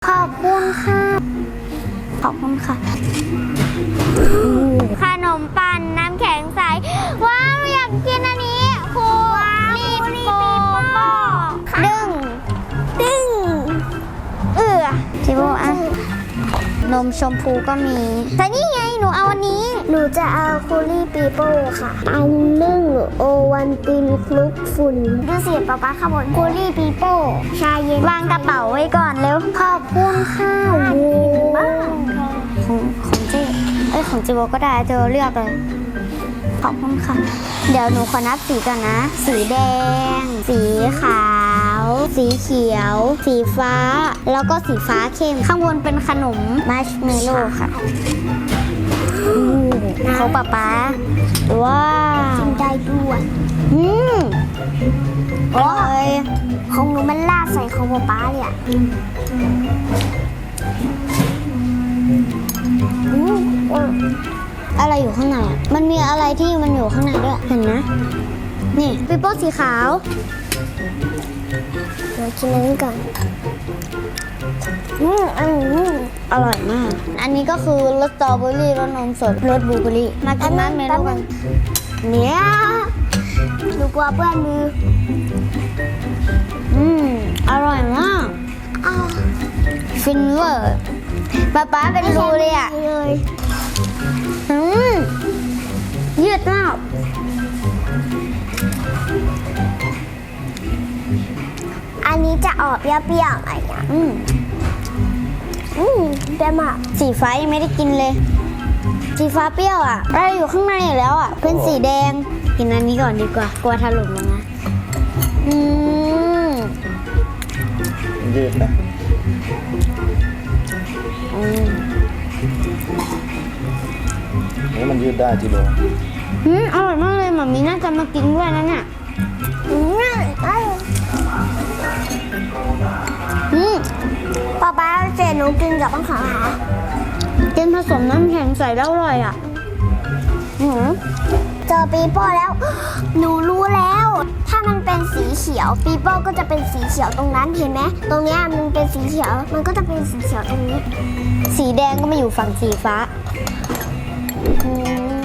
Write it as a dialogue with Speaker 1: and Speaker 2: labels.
Speaker 1: อบคุณค่ะขอบคุณค่ะขนมปังน้ำแข็งใสว้าวอยากกินอันนี้คูรีบโปโป้ดึงจิโบอ่ะนมชมพูก็มีแต่นี่ไงหนูเอาอันนี้หนูจะเอาคูลี่ปีโป้ค่ะอันนึ่งโอวันตินคลุกฝุ่นดูสิป๊าป๊าข้างบนคูลี่ปีโป้ชาเย็นวางกระเป๋าไว้ก่อนเร็วขอบคุณค่ะของเจ๊ของจิโบก็ได้เธอเลือกเลยขอบคุณค่ะเดี๋ยวหนูขอนับสีก่อนนะสีแดงสีขาวสีเขียวสีฟ้าแล้วก็สีฟ้าเข้มข้างบนเป็นขนมมัชเมลโล่ค่ะเขาป๊าป๊าว้าวกินได้ด้วยโอ้ยของหนูมันลาดใส่ของป๊าป๊าเลยอ่ะอะไรอยู่ข้างในอ่ะมันมีอะไรที่มันอยู่ข้างในด้วยเห็นนะนี่ปีโป้สีขาวเดี๋ยวกินอันนี้ก่อนอร่อยมากอันนี้ก็คือรสสตรอเบอรี่รสนมสดรสบลูเบอรี่มากินมัชเมลโล่กันเนี่ยหนูกลัวเปื้อนมืออร่อยมากฟินเวอร์ป๊าเป็นรูเลยอ่ะยืดมากอันนี้จะออกเปรี้ยวๆอะไรอย่างเปรี้ยวมากสีฟ้ายังไม่ได้กินเลยสีฟ้าเปรี้ยวอ่ะอะไรอยู่ข้างในอยู่แล้วอ่ะเป็นสีแดงกินอันนี้ก่อนดีกว่ากลัวถล่มลงนะ
Speaker 2: ยืดนะนี่มันยืดได้จิโร่
Speaker 1: อร่อยมากเลยหม่ามีน่าจะมากินด้วยนะเนี่ยป๊าเจหนูกินกับข้าวขากินผสมน้ำแข็งใส่แล้วอร่อยอ่ะเจอปีโป้แล้วหนูรู้แล้วถ้ามันเป็นสีเขียวปีโป้ก็จะเป็นสีเขียวตรงนั้นเห็นไหมตรงนี้มันเป็นสีเขียวมันก็จะเป็นสีเขียวตรงนี้สีแดงก็มาอยู่ฝั่งสีฟ้า